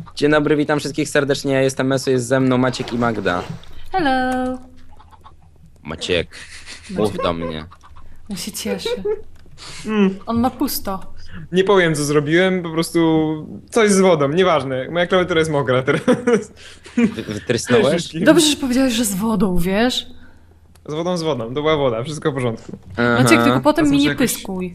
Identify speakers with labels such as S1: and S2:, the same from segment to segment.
S1: Dzień dobry, witam wszystkich serdecznie, ja jestem Mesu, jest ze mną Maciek i Magda.
S2: Hello.
S1: Maciek, mów do mnie.
S2: On się cieszy. On ma pusto.
S3: Nie powiem co zrobiłem, po prostu coś z wodą, nieważne. Moja klawiatura jest mokra teraz.
S1: Wytrysnąłeś?
S2: Dobrze, że powiedziałeś, że z wodą, wiesz?
S3: Z wodą, to była woda, wszystko w porządku.
S2: Maciek, tylko potem
S3: To
S2: mi
S3: znaczy
S2: nie
S3: jakoś-
S2: pyskuj.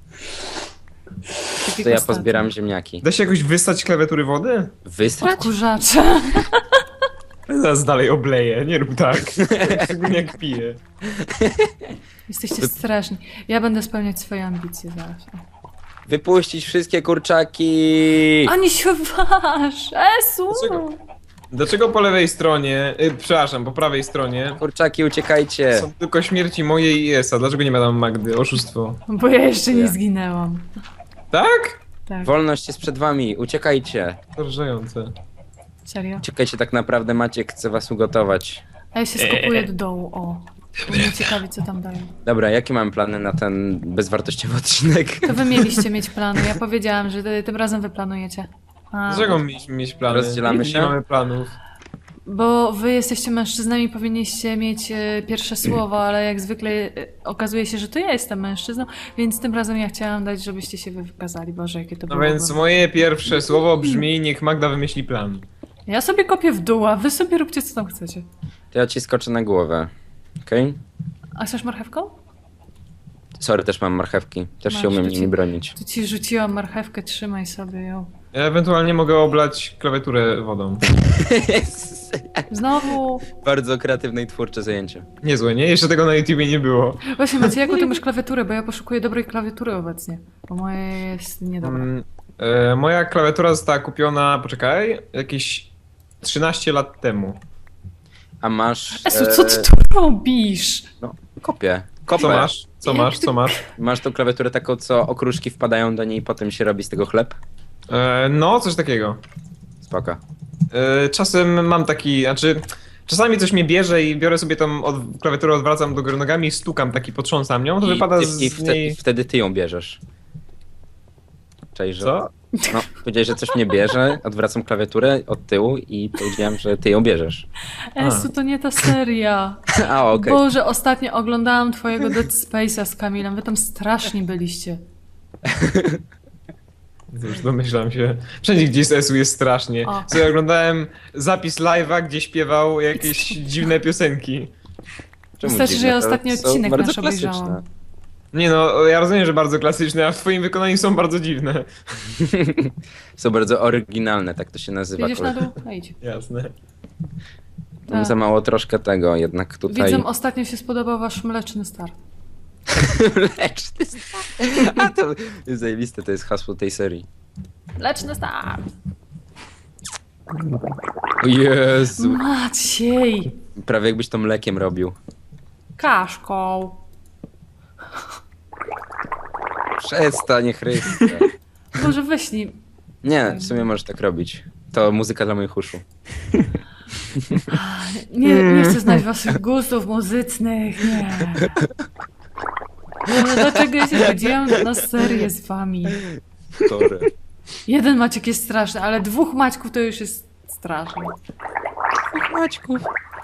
S2: Tak
S1: To
S2: jak
S1: ja
S2: ostatnio.
S1: pozbieram ziemniaki.
S3: Da się jakoś wystać klawiatury wody?
S1: Wystrać?
S2: Odkurzacze.
S3: Zaraz dalej obleję, nie rób tak. Szczególnie jak piję.
S2: Jesteście straszni. Ja będę spełniać swoje ambicje zaraz.
S1: Wypuścić wszystkie kurczaki!
S2: Ani się waż! Esu!
S3: Dlaczego? Dlaczego po lewej stronie, przepraszam, po prawej stronie
S1: Kurczaki, uciekajcie!
S3: są tylko śmierci mojej i Esa? Dlaczego nie ma tam Magdy? Oszustwo.
S2: Bo ja jeszcze
S1: Ja.
S2: nie zginęłam.
S3: Tak?
S2: Tak,
S1: Wolność jest przed wami, uciekajcie!
S3: Porażające.
S2: serio.
S1: Uciekajcie, tak naprawdę Maciek chce was ugotować.
S2: A ja się skopuję do dołu, o. Bo mnie ciekawi, co tam dają.
S1: Dobra, jakie mamy plany na ten bezwartościowy odcinek?
S2: To wy mieliście mieć plany. Ja powiedziałam, że tym razem wy planujecie. A,
S3: Dlaczego mieliśmy mieć plany?
S1: Rozdzielamy się?
S3: Nie mamy planów.
S2: Bo wy jesteście mężczyznami, powinniście mieć pierwsze słowo, ale jak zwykle okazuje się, że to ja jestem mężczyzną, więc tym razem ja chciałam dać, żebyście się wy wykazali. Boże, jakie to
S3: No
S2: było.
S3: więc moje pierwsze słowo brzmi: niech Magda wymyśli plan.
S2: Ja sobie kopię w dół, a wy sobie róbcie, co tam chcecie.
S1: To ja ci skoczę na głowę. Okej?
S2: A chcesz marchewką?
S1: Sorry, też mam marchewki. Też się
S2: Masz,
S1: umiem
S2: to ci-
S1: nimi bronić.
S2: Tu ci rzuciłam marchewkę, trzymaj sobie ją.
S3: Ja ewentualnie mogę oblać klawiaturę wodą.
S2: Znowu.
S1: Bardzo kreatywne i twórcze zajęcie.
S3: Niezłe, nie? Jeszcze tego na YouTubie nie było.
S2: Właśnie, Macie, jaką ty masz klawiaturę? Bo ja poszukuję dobrej klawiatury obecnie. Bo moja jest niedobra.
S3: Moja klawiatura została kupiona, poczekaj, jakieś 13 lat temu.
S1: A masz...
S2: Esu, co ty tu robisz?
S1: No, kopię. Kopę.
S3: Co masz? Co masz? Co masz?
S1: Masz tą klawiaturę taką, co okruszki wpadają do niej i potem się robi z tego chleb?
S3: No, coś takiego.
S1: Spoko.
S3: Czasem mam taki, znaczy... Czasami coś mnie bierze i biorę sobie tą klawiaturę, odwracam do góry nogami i stukam, taki potrząsam nią, to wypada z niej...
S1: wtedy ty ją bierzesz. Cześć, że...
S3: Co?
S1: No, powiedziałeś, że coś mnie bierze, odwracam klawiaturę od tyłu i powiedziałem, że ty ją bierzesz.
S2: Esu, to nie ta seria.
S1: A, okej.
S2: Boże, ostatnio oglądałam twojego Dead Space'a z Kamilem. Wy tam strasznie byliście.
S3: Już domyślam się. Wszędzie gdzie jest Esu jest strasznie.
S2: O.
S3: Sobie oglądałem zapis live'a, gdzie śpiewał jakieś dziwne piosenki.
S1: Czemu
S2: Wystarczy,
S1: dziwne?
S2: że ja
S1: To
S2: ostatni
S1: są
S2: odcinek
S1: bardzo
S2: nasz
S1: klasyczne.
S2: obejrzałam.
S3: Nie no, ja rozumiem, że bardzo klasyczne, a w twoim wykonaniu są bardzo dziwne.
S1: Są bardzo oryginalne, tak to się nazywa.
S2: Jedziesz na dół? No idź.
S3: Jasne.
S1: Tam za mało troszkę tego, jednak tutaj...
S2: Widzę, ostatnio się spodobał wasz mleczny start.
S1: Mleczny start. A to jest zajebiste, to jest hasło tej serii.
S2: Mleczny start!
S1: O Jezu.
S2: Maciej!
S1: Prawie jakbyś to mlekiem robił.
S2: Kaszką.
S1: Przestań, Chryste.
S2: Boże, weźnij.
S1: Nie, w sumie możesz tak robić. To muzyka dla moich uszu.
S2: Nie chcę znać waszych gustów muzycznych, nie. Ale dlaczego ja się zgodziłam na serię z wami?
S1: Sorry.
S2: Jeden Maciek jest straszny, ale dwóch Maćków to już jest straszne.
S1: Maćków.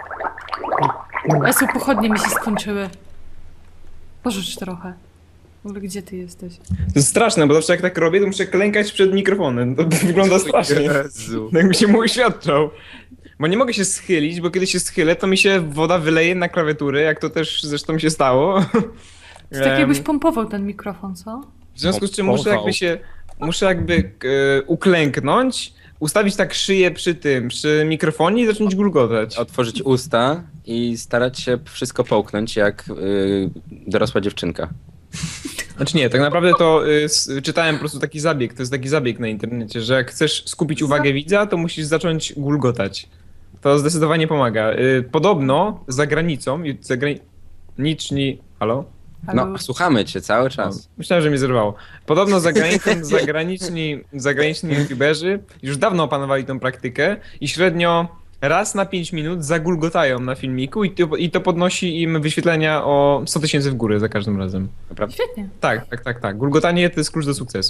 S2: Esu, pochodnie mi się skończyły. Pożycz trochę. W ogóle gdzie ty jesteś?
S3: To jest straszne, bo zawsze jak tak robię, to muszę klękać przed mikrofonem. To wygląda strasznie.
S1: Jezu.
S3: Jakby się mu uświadczał. Bo nie mogę się schylić, bo kiedy się schylę, to mi się woda wyleje na klawiaturę, jak to też zresztą się stało.
S2: To tak jakbyś pompował ten mikrofon, co?
S3: W związku z czym muszę jakby uklęknąć, ustawić tak szyję przy mikrofonie i zacząć gulgotać.
S1: Otworzyć usta i starać się wszystko połknąć jak dorosła dziewczynka.
S3: Znaczy nie, tak naprawdę to czytałem po prostu taki zabieg, to jest taki zabieg na internecie, że jak chcesz skupić uwagę widza, to musisz zacząć gulgotać. To zdecydowanie pomaga. Podobno za granicą, zagraniczni... Halo?
S2: Halo?
S1: No, słuchamy cię cały czas.
S3: Myślałem, że mnie zerwało. Podobno za granicą zagraniczni youtuberzy już dawno opanowali tą praktykę i średnio raz na 5 minut zagulgotają na filmiku i to podnosi im wyświetlenia o 100 000 w górę za każdym razem.
S1: Naprawdę?
S2: Świetnie.
S3: Tak. Gulgotanie to jest klucz do sukcesu.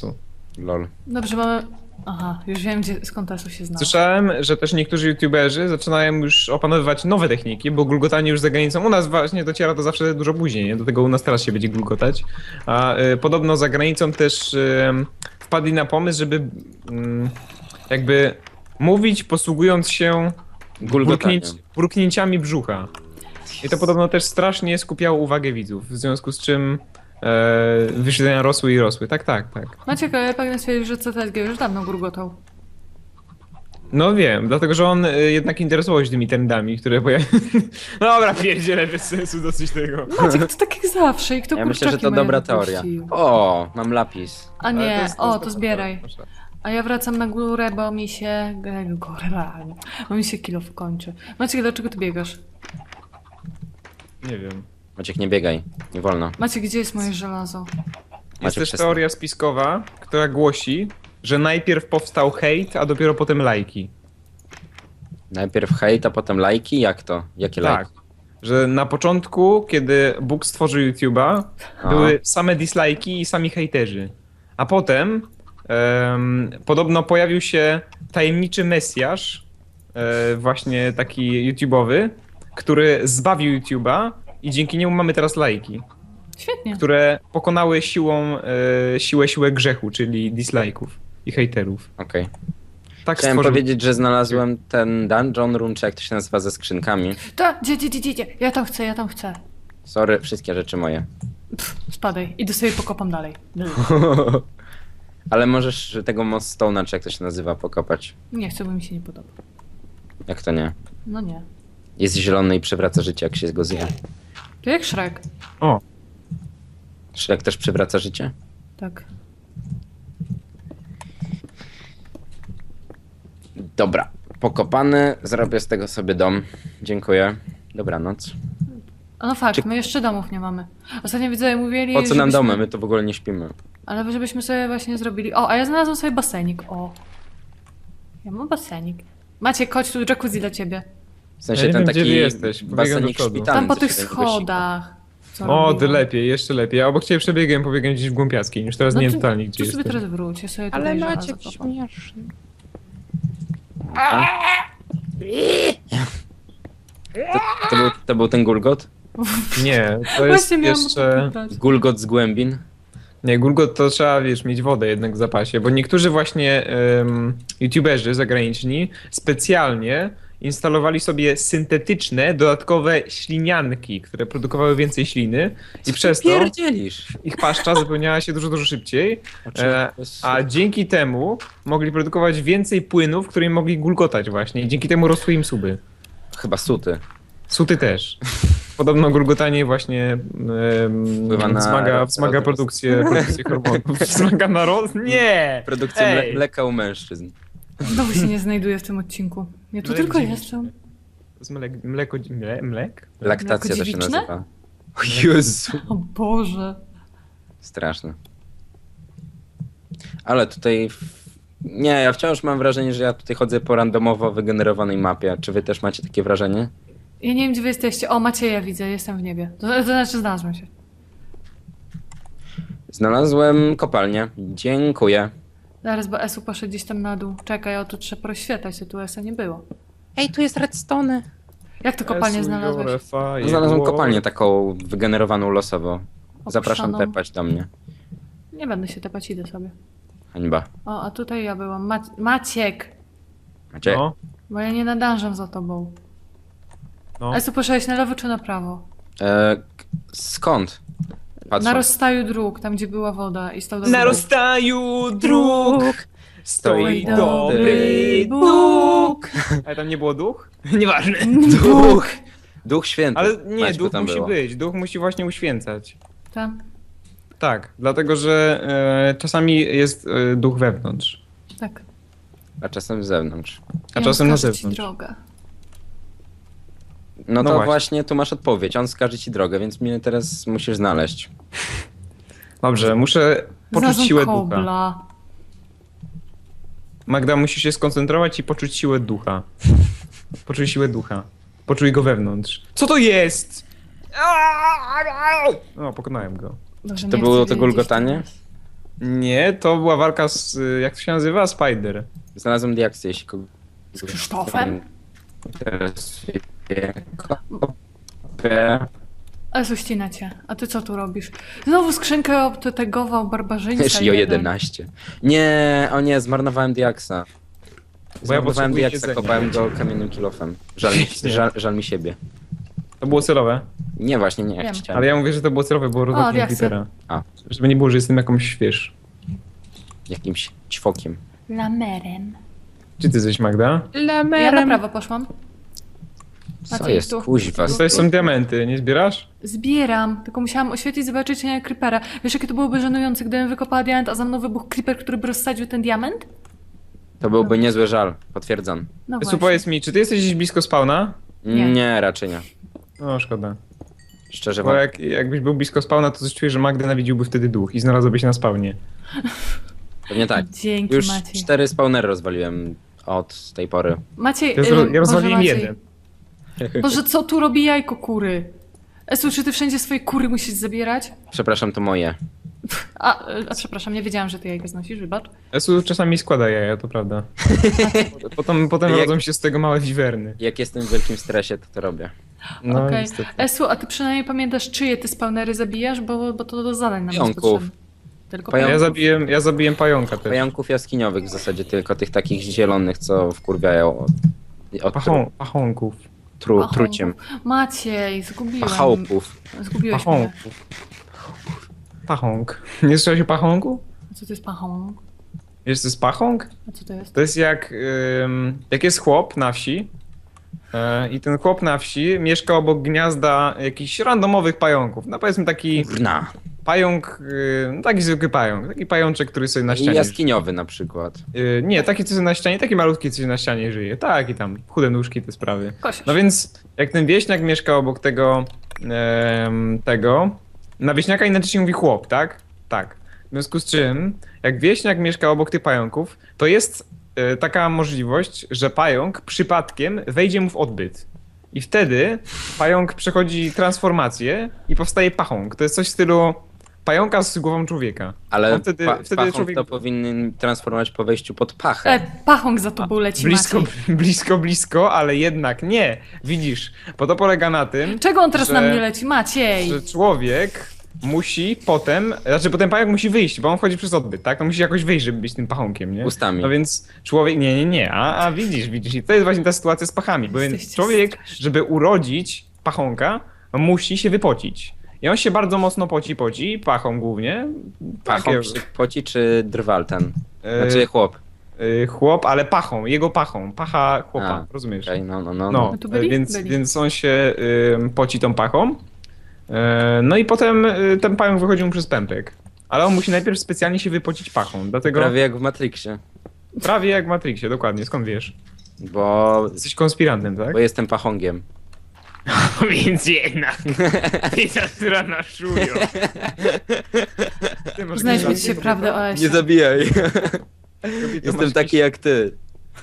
S1: Lol.
S2: Dobrze, mamy... Aha, już wiem, skąd Esu się zna.
S3: Słyszałem, że też niektórzy youtuberzy zaczynają już opanowywać nowe techniki, bo gulgotanie już za granicą u nas właśnie dociera to zawsze dużo później, nie? Do tego u nas teraz się będzie gulgotać. A podobno za granicą też wpadli na pomysł, żeby jakby mówić posługując się
S1: Gulgotaniem.
S3: burknięciami brzucha. I to podobno też strasznie skupiało uwagę widzów, w związku z czym wyświetlenia rosły i rosły. Tak.
S2: Maciek, ale ja pragnę stwierdzić, że CTSG już dawno gurgotał.
S3: No wiem, dlatego że on jednak interesował się tymi trendami, które pojawiają. No dobra, pierdzielę, bez sensu dosyć tego.
S2: Maciek, to tak jak zawsze i kto
S1: Ja myślę, że
S2: kurczaki
S1: to
S2: moje
S1: dobra teoria.
S2: wypuścił?
S1: O, mam lapis.
S2: A
S3: Ale
S2: nie, to
S3: dobra
S2: zbieraj.
S3: teoria, proszę.
S2: A ja wracam na górę, bo mi się... Bo mi się kilo kończy. Maciek, dlaczego ty biegasz?
S3: Nie wiem.
S1: Maciek, nie biegaj. Nie wolno.
S2: Maciek, gdzie jest moje żelazo?
S3: Jest
S1: Maciek,
S3: też
S1: przestań.
S3: teoria spiskowa, która głosi, że najpierw powstał hejt, a dopiero potem lajki.
S1: Najpierw hejt, a potem lajki? Jak to? Jakie
S3: Tak.
S1: lajki?
S3: Że na początku, kiedy Bóg stworzył YouTube'a,
S1: A.
S3: były same dislajki i sami hejterzy. A potem podobno pojawił się tajemniczy mesjasz, właśnie taki YouTube'owy, który zbawił YouTube'a i dzięki niemu mamy teraz lajki,
S2: Świetnie.
S3: które pokonały siłę grzechu, czyli dislajków i hejterów.
S1: Okej.
S3: Tak
S1: Chciałem
S3: stworzył.
S1: powiedzieć, że znalazłem ten dungeon room, czy jak to się nazywa, ze skrzynkami.
S2: Gdzie? Ja tam chcę.
S1: Sorry, wszystkie rzeczy moje.
S2: Spadaj. Idę sobie pokopam dalej.
S1: Ale możesz tego Moss Stone'a, czy jak to się nazywa, pokopać.
S2: Nie chcę, bo mi się nie podoba.
S1: Jak to nie?
S2: No nie.
S1: Jest zielony i przywraca życie, jak się go zje.
S2: To jak Shrek.
S3: O,
S1: Shrek też przywraca życie?
S2: Tak.
S1: Dobra. Pokopany, zrobię z tego sobie dom. Dziękuję. Dobranoc.
S2: A no fakt,
S1: Czy-
S2: my jeszcze domów nie mamy. Ostatnio widzowie mówili,
S1: Po co nam
S2: żebyśmy-
S1: domy? My to w ogóle nie śpimy.
S2: Ale żebyśmy sobie właśnie zrobili... O, a ja znalazłam sobie basenik. O. Ja mam basenik. Maciek, chodź tu, jacuzzi dla ciebie.
S1: W sensie
S3: Ja nie
S1: ten
S3: wiem, gdzie
S1: taki
S3: wy jesteś. Pobiegam do
S1: basenik
S3: przodu.
S1: szpitalny.
S2: Tam po
S1: co
S2: tych
S1: się tego sika.
S2: schodach. Co
S3: o, ty
S2: robiłam.
S3: lepiej, jeszcze lepiej. A obok ciebie przebiegłem gdzieś w głąpiackiej, już teraz nie wiem totalnie gdzie
S2: Tu sobie
S3: jestem.
S2: teraz wróć, ja sobie
S1: Ale
S2: tutaj
S1: Maciek
S2: żelazo kopam.
S1: śmieszny. To był ten Gulgot?
S3: Nie, to jest
S2: Właśnie miałam
S3: jeszcze...
S2: zapytać.
S1: Gulgot z głębin?
S3: Nie, Gulgot to trzeba, wiesz, mieć wodę jednak w zapasie, bo niektórzy właśnie youtuberzy zagraniczni specjalnie instalowali sobie syntetyczne, dodatkowe ślinianki, które produkowały więcej śliny i przez to
S1: Pierdzielisz.
S3: ich paszcza zapełniała się dużo szybciej, a dzięki temu mogli produkować więcej płynów, którymi mogli gulgotać właśnie i dzięki temu rosły im suby.
S1: Chyba suty.
S3: Suty też. Podobno gulgotanie właśnie
S1: Wpływa na
S3: wzmaga
S1: rozrost.
S3: produkcję hormonów. Wzmaga na roz... Nie!
S1: Produkcja
S3: Ej!
S1: mleka u mężczyzn.
S2: Znowu się nie znajduję w tym odcinku. Ja tu
S3: Mlek
S2: tylko
S3: dziewiczy.
S2: jestem.
S3: To jest mlek?
S1: Laktacja to się
S2: dziewiczne?
S1: nazywa. O Jezu.
S2: O Boże.
S1: Straszne. Ale tutaj... Nie, ja wciąż mam wrażenie, że ja tutaj chodzę po randomowo wygenerowanej mapie. Czy wy też macie takie wrażenie?
S2: Ja nie wiem, gdzie wy jesteście. O, Macieja widzę, jestem w niebie. To znaczy znalazłem się.
S1: Znalazłem kopalnię. Dziękuję.
S2: Zaraz, bo Esu poszedł gdzieś tam na dół. Czekaj, o tu trzeba rozświetlać, tu Esa nie było.
S1: Ej, tu jest redstone.
S2: Jak to kopalnię znalazłeś?
S1: Znalazłem kopalnię taką wygenerowaną losowo. Zapraszam
S2: Opuszczoną.
S1: tepać do mnie.
S2: Nie będę się tepać, idę sobie.
S1: Hańba.
S2: O, a tutaj ja byłam. Maciek!
S1: Macie?
S3: No,
S2: Bo ja nie nadążam za tobą.
S3: no.
S2: Esu, poszedłeś na lewo czy na prawo?
S1: Skąd? Patrzę.
S2: Na rozstaju dróg, tam gdzie była woda i stał
S3: Na rozstaju dróg stoi
S2: Dobry
S3: dobry
S2: Bóg.
S3: Bóg. Ale tam nie było duch? Nieważne.
S1: Duch! Duch święty.
S3: Ale nie,
S1: Maćku,
S3: duch
S1: tam
S3: musi
S1: było.
S3: być. Duch musi właśnie uświęcać.
S2: Tam?
S3: Tak, dlatego że czasami jest duch wewnątrz,
S2: Tak.
S1: A czasem z zewnątrz.
S3: a
S2: I
S3: czasem
S2: on
S3: na
S2: wskaże ci
S3: zewnątrz.
S2: drogę.
S1: No to
S3: właśnie.
S1: właśnie tu masz odpowiedź. On wskaże ci drogę, więc mnie teraz musisz znaleźć.
S3: Dobrze, muszę poczuć
S2: Znalazłam
S3: siłę ducha.
S2: kobla.
S3: Magda, musisz się skoncentrować i poczuć siłę ducha. Poczuj siłę ducha. Poczuj go wewnątrz. Co to jest? O, pokonałem go.
S2: Boże,
S1: To
S2: nie
S1: było
S2: chcę
S1: to
S2: wiedzieć
S1: gulgotanie?
S2: teraz.
S3: Nie, to była walka z, jak to się nazywa? Spider.
S1: Znalazłem diaksy, jeśli kogo...
S2: Z Krzysztofem?
S1: Interesuje.
S2: Esu, ścina cię. A ty co tu robisz? Znowu skrzynkę obtegował barbarzyńca.
S1: Jeśli o
S2: jeden.
S1: 11. Nie, o nie, zmarnowałem diaksa.
S3: Bo ja
S1: Zmarnowałem
S3: potrzebuję
S1: diaksa,
S3: jedzenia.
S1: kopałem go kamiennym kilofem. Żal mi siebie.
S3: To było celowe.
S1: Nie, właśnie nie,
S2: Wiem.
S1: chciałem.
S3: Ale ja mówię, że to było celowe, bo rozwaliłem
S2: diaksy.
S3: Twittera.
S1: A,
S3: Żeby nie było, że jestem jakąś, wiesz...
S1: jakimś ćwokiem.
S2: Lamerem.
S3: Czy ty jesteś, Magda?
S2: Ja na prawo poszłam.
S1: Co
S2: Maciej,
S1: jest,
S2: tu.
S1: kuźwa?
S3: Tutaj są diamenty, nie zbierasz?
S2: Zbieram, tylko musiałam oświetlić, zobaczyć nie creepera. Wiesz, jakie to byłoby żenujące, gdybym wykopała diament, a za mną wybuchł creeper, który by rozsadził ten diament?
S1: To byłby niezły żal, potwierdzam.
S2: No
S3: Esu,
S2: właśnie.
S3: powiedz mi, czy ty jesteś gdzieś blisko spawna?
S2: Nie.
S1: Nie, raczej nie.
S3: No, szkoda.
S1: Szczerze
S3: Bo
S1: wam.
S3: jakbyś był blisko spawna, to coś czuję, że Magdę nawidziłby wtedy duch i znalazłby się na spawnie.
S1: Pewnie tak.
S2: Dzięki,
S1: Już
S2: Maciej.
S1: 4 spawnery rozwaliłem od tej pory.
S2: Maciej,
S3: Ja rozwaliłem
S2: Boże, Maciej.
S3: jeden.
S2: Boże, co tu robi jajko kury? Esu, czy ty wszędzie swoje kury musisz zabierać?
S1: Przepraszam, to moje.
S2: A przepraszam, nie wiedziałam, że ty jajko znosisz, wybacz.
S3: Esu czasami składa jaja, to prawda. Potem
S1: Jak-
S3: rodzą się z tego małe wiwerny.
S1: Jak jestem w wielkim stresie, to robię.
S3: No
S2: Okej.
S3: niestety.
S2: Esu, a ty przynajmniej pamiętasz, czyje ty spawnery zabijasz, bo to do zadań nam jest
S1: Pająków.
S2: potrzebne. Tylko
S1: Pająków.
S3: Ja zabiłem pająka też.
S1: Pająków jaskiniowych w zasadzie, tylko tych takich zielonych, co wkurwiają od
S3: Pachonków.
S2: Pachąków.
S1: truciem.
S2: Maciej, zgubiłem.
S1: Pachałpów.
S2: Zgubiłeś mnie.
S3: Pachonków. Pachąg. Nie słyszałeś o pachonku?
S2: A co to jest pachąg?
S3: Wiesz, co jest pachąg?
S2: A co to jest?
S3: To jest jak jest chłop na wsi i ten chłop na wsi mieszka obok gniazda jakichś randomowych pająków. No powiedzmy taki
S1: Kurna.
S3: pająk, no taki zwykły pająk, taki pajączek, który sobie na ścianie
S1: Jaskiniowy na przykład.
S3: nie, taki co sobie na ścianie, taki malutki co sobie na ścianie żyje. Tak i tam, chude nóżki, te sprawy.
S2: Kosiarz.
S3: No więc jak ten wieśniak mieszka obok tego, na wieśniaka inaczej się mówi chłop, tak? Tak. W związku z czym, jak wieśniak mieszka obok tych pająków, to jest taka możliwość, że pająk przypadkiem wejdzie mu w odbyt. I wtedy pająk przechodzi transformację i powstaje pachąg. To jest coś w stylu pająka z głową człowieka.
S1: Ale
S3: On wtedy
S1: pachąg
S3: człowiek...
S1: to powinien transformować po wejściu pod pachę.
S2: Pachąg za tobą leci,
S3: Blisko,
S2: Maciej.
S3: blisko, ale jednak nie. Widzisz, bo to polega na tym,
S2: Czego on teraz
S3: że-
S2: na mnie leci? Maciej!
S3: że człowiek musi potem, znaczy potem pająk musi wyjść, bo on wchodzi przez odbyt, tak? On musi jakoś wyjść, żeby być tym pachonkiem, nie?
S1: Ustami.
S3: No więc człowiek, nie, a widzisz, i to jest właśnie ta sytuacja z pachami, bo
S2: Jesteście
S3: człowiek,
S2: straszni.
S3: żeby urodzić pachonka, musi się wypocić. I on się bardzo mocno poci, pachą głównie.
S1: Pachą czy poci, czy drwal ten? Znaczy chłop.
S3: Chłop, ale pachą, jego pachą, pacha chłopa,
S1: A,
S3: rozumiesz?
S1: Okej, no.
S3: No,
S2: tu byli?
S3: więc,
S2: Byli.
S3: więc on się poci tą pachą. No i potem ten pająk wychodzi mu przez pępek. Ale on musi najpierw specjalnie się wypocić pachą. Dlatego
S1: Prawie jak w Matrixie.
S3: prawie jak w Matrixie, dokładnie. Skąd wiesz?
S1: Bo
S3: Jesteś konspirantem, tak?
S1: Bo jestem pachągiem.
S3: Więc jednak. Pizza, która naszują.
S2: Znajdźmy dzisiaj prawdę o Esie.
S1: Nie zabijaj. Jestem taki jak ty.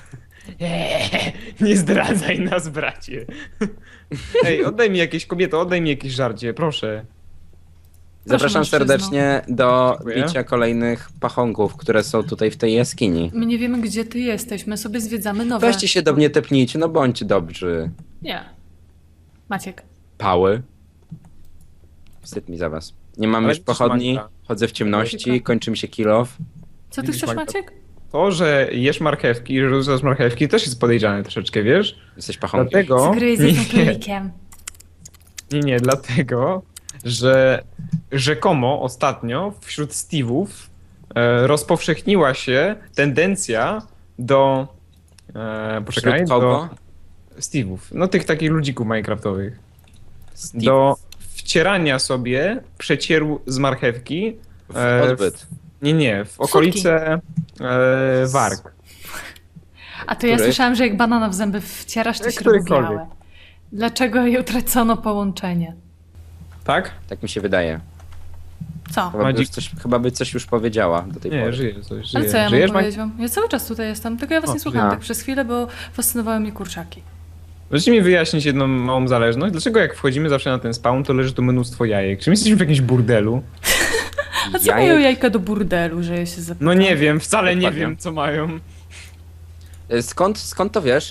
S3: Nie zdradzaj nas, bracie. Ej, oddaj mi jakieś, kobieto, oddaj mi jakieś żarcie, proszę.
S1: Zapraszam
S2: mężczyzno.
S1: serdecznie do
S3: Dziękuję.
S1: bicia kolejnych pachągów, które są tutaj w tej jaskini.
S2: My nie wiemy, gdzie ty jesteś, my sobie zwiedzamy nowe.
S1: Weźcie się do mnie tepnijcie, no bądźcie dobrzy.
S2: Nie. Maciek.
S1: Pały. Wstyd mi za was. Nie mam
S3: Ale
S1: już
S3: widzisz,
S1: pochodni,
S3: Magda.
S1: chodzę w ciemności,
S3: Magda.
S1: kończy mi się kill off.
S2: Co ty
S3: Widzisz,
S2: chcesz,
S3: Magda?
S2: Maciek?
S3: To, że jesz marchewki, że rzucasz marchewki, też jest podejrzane troszeczkę, wiesz?
S1: Jesteś pachągiem.
S3: Dlatego...
S2: Zgryź z tym królikiem.
S3: Nie, dlatego, że rzekomo ostatnio wśród Steve'ów rozpowszechniła się tendencja do... poczekaj,
S1: Wśród
S3: do
S1: kogo?
S3: Steve'ów, no tych takich ludzików minecraftowych,
S1: Steve.
S3: do wcierania sobie przecieru z marchewki
S1: W odbyt.
S3: nie, w okolice warg.
S2: A to ja
S1: Których?
S2: słyszałam, że jak banana w zęby wcierasz, to
S3: Którykolwiek.
S2: śrubowiałe. Dlaczego jej utracono połączenie?
S3: Tak?
S1: Tak mi się wydaje.
S2: Co?
S1: Chyba by coś już powiedziała do tej
S3: Nie,
S1: pory.
S3: żyje coś,
S2: Ale
S3: żyje.
S2: co ja
S3: Żyjesz,
S2: mam powiedzieć wam? Ja cały czas tutaj jestem, tylko ja was
S3: O,
S2: nie słuchałam
S3: ja.
S2: tak przez chwilę, bo fascynowały mnie kurczaki.
S3: Możecie mi wyjaśnić jedną małą zależność? Dlaczego jak wchodzimy zawsze na ten spawn, to leży tu mnóstwo jajek? Czy my jesteśmy w jakimś burdelu?
S2: A co mają jajka do burdelu, że ja się zapytam?
S3: No nie wiem, wcale nie
S1: Dokładnie.
S3: wiem co mają.
S1: Skąd to wiesz?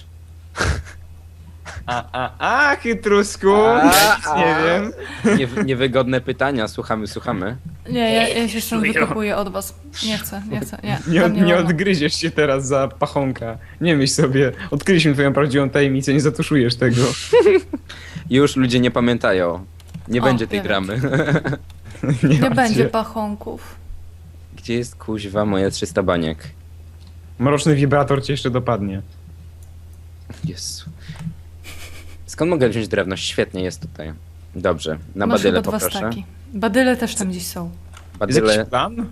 S3: Chytrusku, nie wiem.
S1: Niewygodne pytania, słuchamy.
S2: Nie, ja się stąd wykopuję od was. Nie chcę, nie.
S3: Nie,
S2: Tam
S3: nie
S2: wolno.
S3: odgryziesz się teraz za pachonka. Nie myśl sobie, odkryliśmy twoją prawdziwą tajemnicę, nie zatuszujesz tego.
S1: Już ludzie nie pamiętają. Nie
S2: O,
S1: będzie tej
S2: nie
S1: dramy.
S2: Nie
S3: martw
S2: będzie
S3: się.
S2: pachonków.
S1: Gdzie jest kuźwa moje 300 baniek?
S3: Mroczny wibrator cię jeszcze dopadnie.
S1: Jezu. Skąd mogę wziąć drewno? Świetnie jest tutaj. Dobrze, na
S2: Masz
S1: badyle
S2: chyba 2
S1: poproszę.
S2: staki. Badyle też tam gdzieś są.
S3: Jest
S1: Badyle...
S3: jakiś plan?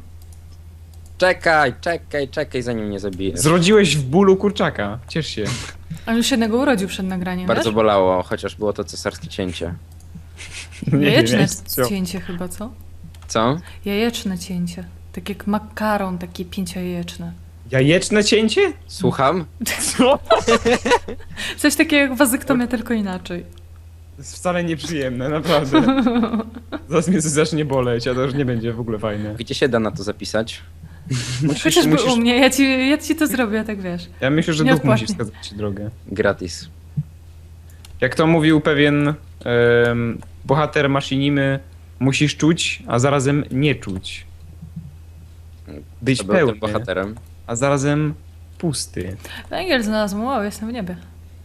S1: Czekaj, zanim mnie zabijesz.
S3: Zrodziłeś w bólu kurczaka. Ciesz się.
S2: On już jednego urodził przed nagraniem,
S1: Bardzo
S2: wiesz?
S1: bolało, chociaż było to cesarskie cięcie.
S2: Jajeczne
S3: jest co.
S2: cięcie chyba, co?
S1: Co?
S2: Jajeczne cięcie. Tak jak makaron, takie 5-jajeczne.
S3: Jajeczne cięcie?
S1: Słucham?
S3: Co?
S2: Coś takiego jak wazyktomia, tylko inaczej.
S3: To jest wcale nieprzyjemne, naprawdę. Zaraz mnie coś zacznie boleć, a to już nie będzie w ogóle fajne.
S1: Gdzie się da na to zapisać?
S2: Chociażby u mnie, ja ci to zrobię, tak wiesz.
S3: Ja myślę, że duch
S2: Nieodpłatnie.
S3: musi wskazać ci drogę.
S1: Gratis.
S3: Jak to mówił pewien bohater maszynimy, musisz czuć, a zarazem nie czuć. Być
S1: To był tym
S3: pełny,
S1: bohaterem.
S3: a zarazem pusty.
S2: Węgiel znalazł, wow, jestem w niebie.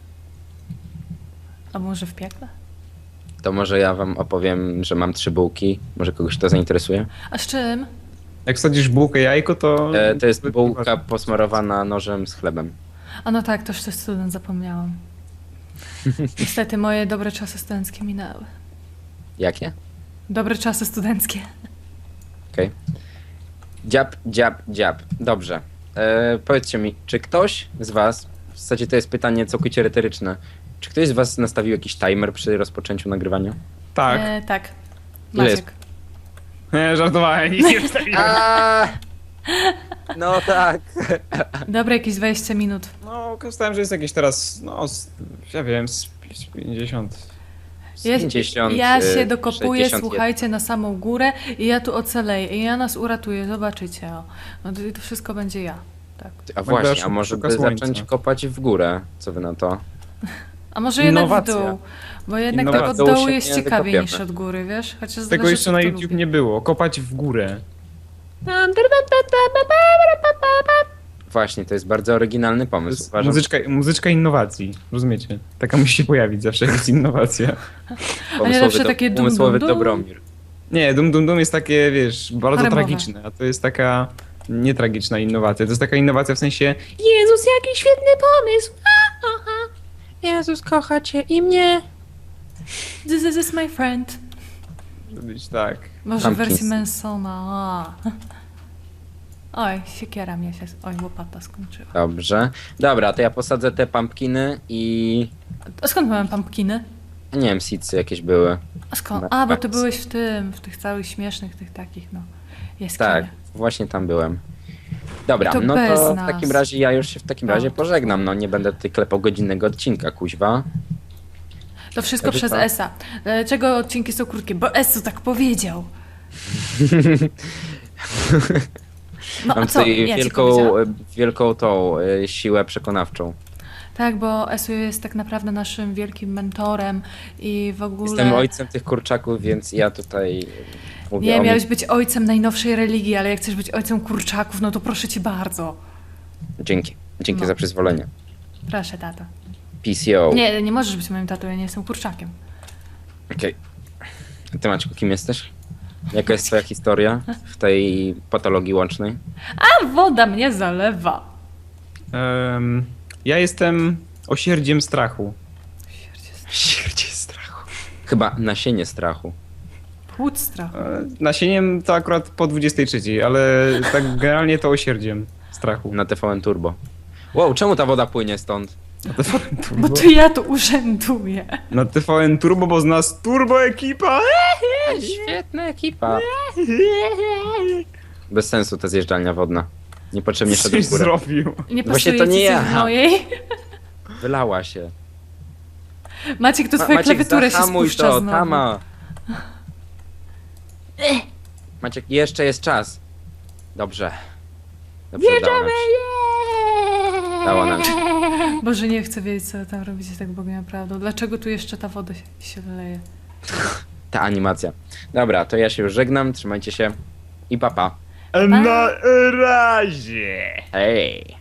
S2: A może w piekle?
S1: To może ja wam opowiem, że mam 3 bułki. Może kogoś to zainteresuje?
S2: A z czym?
S3: Jak wsadzisz bułkę jajko, to...
S1: To jest bułka posmarowana nożem z chlebem.
S2: A no tak, toż to student, zapomniałam. Niestety moje dobre czasy studenckie minęły.
S1: Jakie?
S2: Dobre czasy studenckie.
S1: Okej. Dziab. Dobrze. Powiedzcie mi, czy ktoś z was, w zasadzie to jest pytanie całkowicie retoryczne, czy ktoś z was nastawił jakiś timer przy rozpoczęciu nagrywania?
S3: Tak.
S2: Tak.
S1: Ile jest?
S2: Maciek.
S3: Nie, żartowałem, nic nie wstawiłem.
S1: No tak.
S2: Dobre, jakieś 20 minut.
S3: No, korzystałem, że jest jakieś teraz, no, ja wiem, z 50.
S2: Ja,
S1: 50,
S2: ja się dokopuję,
S1: 61.
S2: słuchajcie, na samą górę i ja tu ocaleję i ja nas uratuję, zobaczycie. O. No to wszystko będzie ja. Tak.
S1: A właśnie,
S3: Magda
S1: a może
S3: szuka
S1: by
S3: słońca.
S1: zacząć kopać w górę? Co wy na to?
S2: A może jednak
S3: Innowacja.
S2: w dół, bo jednak tak
S3: Innowacja.
S2: od
S1: W dół
S2: dołu
S1: się
S2: jest
S1: nie
S2: ciekawiej
S1: wykopiemy.
S2: niż od góry, wiesz? Chociaż
S3: Tego
S2: zależy,
S3: jeszcze na
S2: kto
S3: YouTube
S2: lubi.
S3: nie było, kopać w górę.
S1: Właśnie, to jest bardzo oryginalny
S3: To
S1: pomysł.
S3: jest
S1: Uważam,
S3: muzyczka innowacji, rozumiecie? Taka musi się pojawić zawsze, jak jest innowacja.
S2: A nie zawsze takie dum,
S1: umysłowy
S2: dum, dum?
S1: Dobromir.
S3: Nie, dum jest takie, wiesz, bardzo
S2: Haremowe.
S3: tragiczne, a to jest taka nietragiczna innowacja. To jest taka innowacja w sensie Jezus, jaki świetny pomysł!
S1: Jezus kocha cię i mnie.
S2: This is my friend.
S3: Być tak.
S2: Może w
S1: Pumpkins.
S2: wersji Mansona. A. Oj, siekiera mnie się... Oj, łopata skończyła.
S1: Dobrze. Dobra, to ja posadzę te pumpkiny i...
S2: A skąd miałem pumpkiny?
S1: Nie wiem, seedsy jakieś były.
S2: A skąd?
S1: Na-
S2: A, bo
S1: tak.
S2: ty byłeś w tych całych śmiesznych, tych takich, no. Jaskinie.
S1: Tak, właśnie tam byłem. Dobra,
S2: I to
S1: no
S2: bez
S1: to w
S2: nas.
S1: takim razie ja już się w takim razie
S2: O.
S1: pożegnam. No nie będę tutaj klepał godzinnego odcinka, kuźwa.
S2: To wszystko
S1: Wtedy
S2: przez
S1: co?
S2: Esa. Dlaczego odcinki są krótkie? Bo Esu tak powiedział. No a
S1: Mam
S2: co?
S1: tutaj
S2: Ja ci
S1: wielką,
S2: powiedziałam.
S1: wielką tą siłę przekonawczą.
S2: Tak, bo Esu jest tak naprawdę naszym wielkim mentorem i w ogóle...
S1: Jestem ojcem tych kurczaków, więc ja tutaj mówię
S2: Nie,
S1: o
S2: miałeś być ojcem najnowszej religii, ale jak chcesz być ojcem kurczaków, no to proszę cię bardzo.
S1: Dzięki
S2: No.
S1: za przyzwolenie.
S2: Proszę, tato.
S1: PCO.
S2: Nie, nie możesz być moim tatą, ja nie jestem kurczakiem.
S1: Okej. A ty, Maćku, kim jesteś? Jaka jest twoja historia w tej patologii łącznej?
S2: A woda mnie zalewa.
S3: Ja jestem osierdziem strachu.
S1: Śmierdzie strachu. Chyba nasienie strachu.
S2: Płód strachu.
S3: Nasieniem to akurat po 23, ale tak generalnie to osierdziem strachu.
S1: Na TVN Turbo. Wow, czemu ta woda płynie stąd?
S2: Bo to ja tu urzęduję.
S3: Na TVN Turbo, bo z nas turbo ekipa!
S1: Świetna ekipa. Bez sensu ta zjeżdżalnia wodna. Niepotrzebnie szedłem
S3: Coś
S1: w górę.
S3: zrobił.
S2: Nie
S1: Właśnie
S2: pasuje
S1: to
S2: ci
S1: nie
S2: coś
S1: ja.
S2: w mojej.
S1: Wylała się.
S2: Maciek, to twoja
S1: Maciek,
S2: klawiatura się
S1: zahamuj
S2: spuszcza
S1: to,
S2: znowu.
S1: Tama. Maciek, jeszcze jest czas. Dobrze. Dobrze, udało nam się. Dało nam się.
S2: Boże, nie chcę wiedzieć, co tam robicie tak bogiem prawdą. Dlaczego tu jeszcze ta woda się leje?
S1: Ta animacja. Dobra, to ja się już żegnam, trzymajcie się i papa.
S4: Na razie!
S1: Hej!